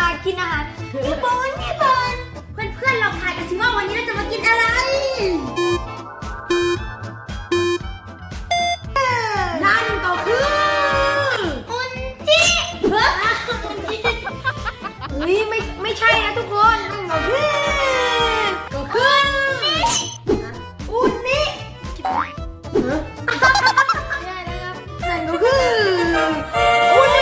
กินอาหารญี่ปุ่นเพื่อนๆลองทายกันสิว่าวันนี้เราจะมากินอะไรนั่นก็คืออุนจิเฮ้ยไม่ใช่นะทุกคนนั่นก็คืออุนนินั่นก็คืออุนนิ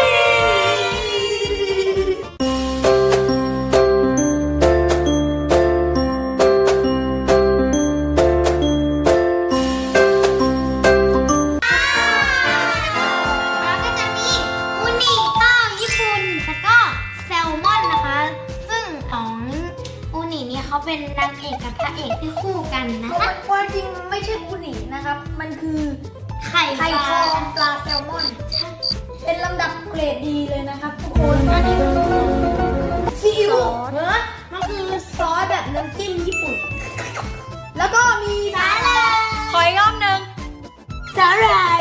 เขาเป็นนางเอกกับพระเอกที่คู่กันนะคะความจริงไม่ใช่อูนินะครับ มันคือไข่ทองปลาแซลมอน เป็นลำดับเกรดดีเลยนะครับทุกคนซีอิ๊วมันคือซอสแบบน้ำจิ้มญี่ปุ่น แล้วก็มีสาหร่ายขออีกรอบหนึ่งสาหร่าย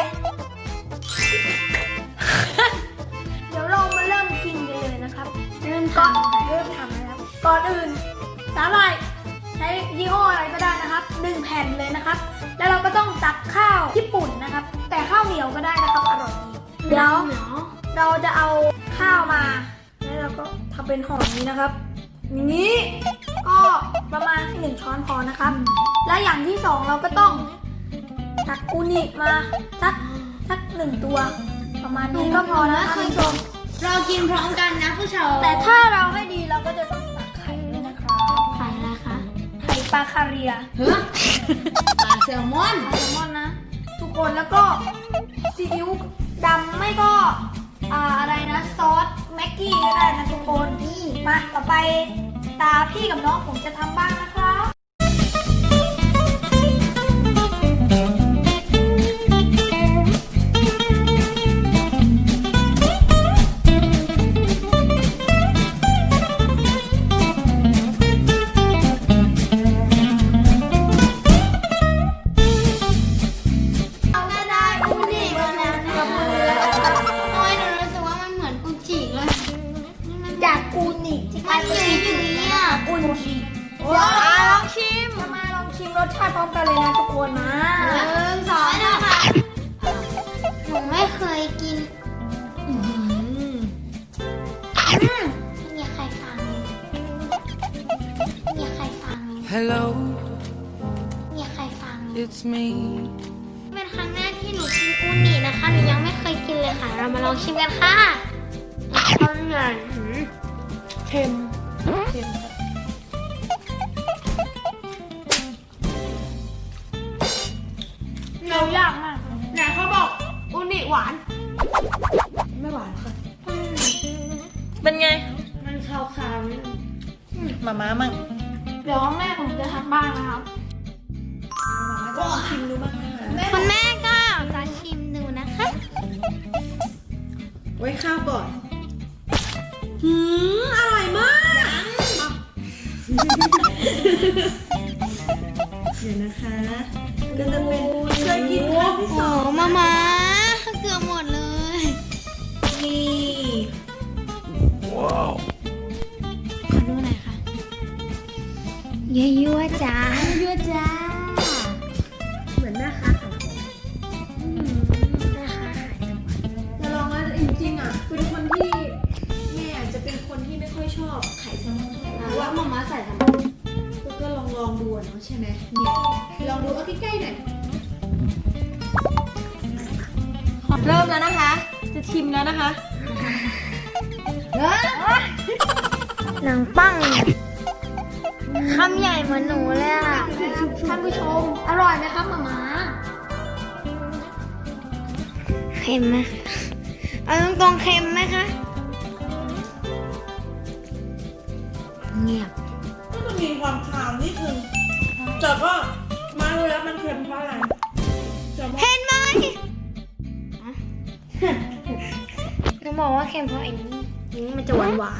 เดี๋ยวเรามาเริ่มกินกันเลยนะครับ เริ่มทำนะครับก่อนอื่นสาหร่ายใช้ยี่ห้ออะไรก็ได้นะครับ1แผ่นเลยนะครับแล้วเราก็ต้องตักข้าวญี่ปุ่นนะครับแต่ข้าวเหนียวก็ได้นะครับอร่อยดีเดี๋ยวเราจะเอาข้าวมาแล้วเราก็ทำเป็นห่อนี้นะครับอย่างนี้ก็ประมาณ1ช้อนพอนะครับและอย่างที่2เราก็ต้องตักอูนิมาสัก1ตัวประมาณนี้ก็พอนะคุณผู้ชมเรากินพร้อมกันนะผู้ชมแต่ถ้าเราให้ดีเราก็จะต้องตักไข่ด้วยนะครับไข่อะไรคะไข่ปลาคาเรียปลาแซลมอนนะทุกคนแล้วก็ซีอิ๊วดำไม่ก็อะไรนะซอสแม็กกี้ก็ได้นะทุกคนมาต่อไปตาพี่กับน้องผมจะทำบ้างนะครับจากอูนิที่กลายเป็นอูนิลองชิมจะมาลองชิมรสชาติพร้อมกันเลยนะทุกคนมา 1 2นะคะหนูไม่เคยกินมีใครฟังมีใครฟัง Hello มีใครฟัง It's me เป็นครั้งแรกที่หนูกินอูนินะคะหนูยังไม่เคยกินเลยค่ะเรามาลองชิมกันค่ะอร่อยเค็มเรายากมากไหนเขาบอกอูนิหวานไม่หวานค่ะเป็นไงมันคาวๆนิดนึงมาม่ามั่งเดี๋ยวแม่ผมจะทำบ้างนะครับก็ชิมดูบ้างนะคะคุณแม่ก็จะชิมดูนะคะไว้ข้าวก่อนอร่อยมากเดี๋ยวนะคะก็จะเป็นเคยกินครั้งที่สองมาเกือบหมดเลยนี่ว้าวขอดูหน่อยค่ะยั่วจ้ายั่วจ้าเหมือนแม่ค้าขายของจะลองแล้วจริงๆอ่ะเป็นคนที่แม่จะเป็นคนที่ไม่ค่อยชอบไข่แซลมอนเท่าไหร่เพราะว่ามาม่าใส่ทำไมก็ลองดูเนาะใช่ไหมเนี่ยลองดูเอาใกล้ๆหน่อยเริ่มแล้วนะคะ จะชิมแล้วนะคะหนังปังคำใหญ่เหมือนหนูเลยอ่ะท่านผู้ชมอร่อยไหมครับหม่าม้าเค็มไหมเอาตรงๆเค็มไหมคะเงียบก็จะมีความคาวนิดนึงแต่ก็มาดูแล้วมันเค็มเพราะอะไรเห็นไหมหนูบอกว่าเค็มเพราะไอ้นี่มันจะหวาน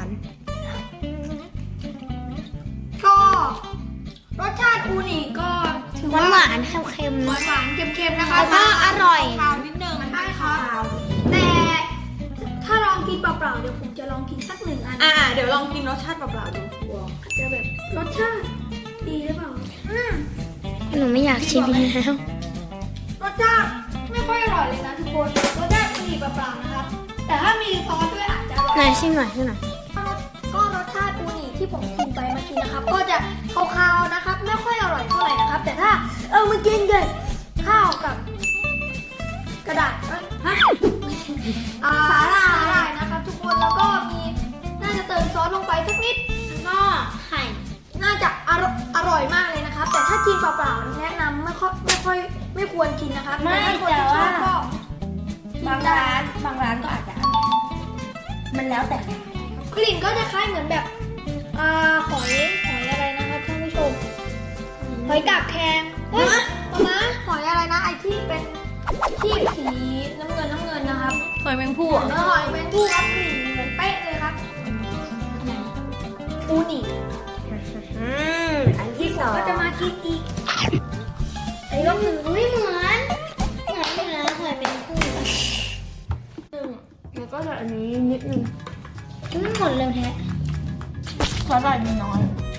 ก็รสชาติอูนิก็ถือว่าหวานเค็มๆหนะวานๆเค็มๆนะคะแล้วก็อร่อยคาวนิดนึงมันได้ครับแต่ถ้าลองกินเปล่าๆเดี๋ยวผมจะลองกินสัก1 อันเดี๋ยวลองกินรสชาติเปล่าๆดูอาจจะแบบรสชาติดีหรือเปล่าหนูไม่อยากชิมแล้วรสชาติไม่ค่อยอร่อยเลยนะทุกคนรสชาติดีเปล่าๆนะครับ แต่ถ้ามีซอสด้วยอาจจะอร่อยไหนชิมหน่อยชิมหน่อยก็รสชาติอูนิที่ผมกินไปเมื่อกี้นะครับ ก็จะคาวๆนะครับ ไม่ค่อยอร่อยเท่าไหร่นะครับ แต่ถ้ามากินกับข้าวกับกระดาษสาหร่ายนะครับ ทุกคนแล้วก็มีน่าจะเติมซอสลงไปสักนิดแล้วก็ไข่น่าจะอร่อยมากเลยนะครับ แต่ถ้ากินเปล่าๆแนะนำไม่ควรกินนะครับไม่ถ้าคนที่ชอบก็บางร้านก็อาจจะอร่อยมันแล้วแต่กลิ่นก็จะคล้ายเหมือนแบบหอยอะไรนะครับท่านผู้ชมหอยกาบแคงเฮ้ยมาหอยอะไรนะไอที่เป็นที่สีน้ำเงินนะครับหอยแมงผู้หอยแมงผู้ครับกลิ่นเหมือนเป๊ะเลยครับอูนิอันที่สองก็จะมากินอีกไอ้ก็คือไม่เหมือนอยู่แล้วหอยแมงผู้แล้วก็จะอันนี้นิดนึงไม่หมดเร็วแท้ซอสหน่อยมีน้อย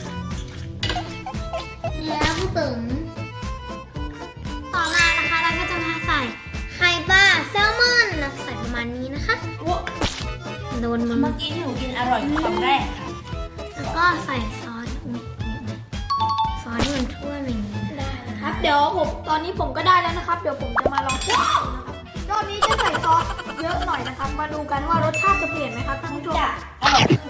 แล้วผู้ตึงต่อมานะคะเราก็จะมาใส่ไข่ปลาแซลมอนนะใส่ประมาณนี้นะคะโดนมือเมื่อกี้ที่หนูกินอร่อยคำแรกค่ะแล้วก็ใส่ซอสซอสที่มันทั่วอย่างนี้ได้นะครับเดี๋ยวตอนนี้ผมก็ได้แล้วนะครับ เดี๋ยวผมจะมาลองชิมนะครับรอบนี้จะใส่ซอสเยอะหน่อยนะครับ มาดูกันว่ารสชาติจะเปลี่ยนไหมครับท่านผู้ชมอร่อยขึ้น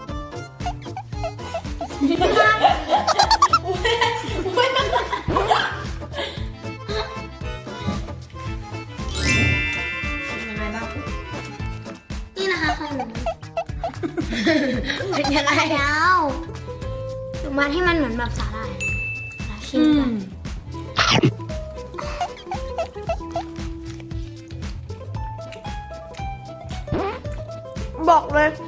ยังไงบ้างนี่นะคะของหนูเป็นยังไงแล้วหนูมาให้มันเหมือนแบบสาหร่ายแล้วชิมกันบอกเลย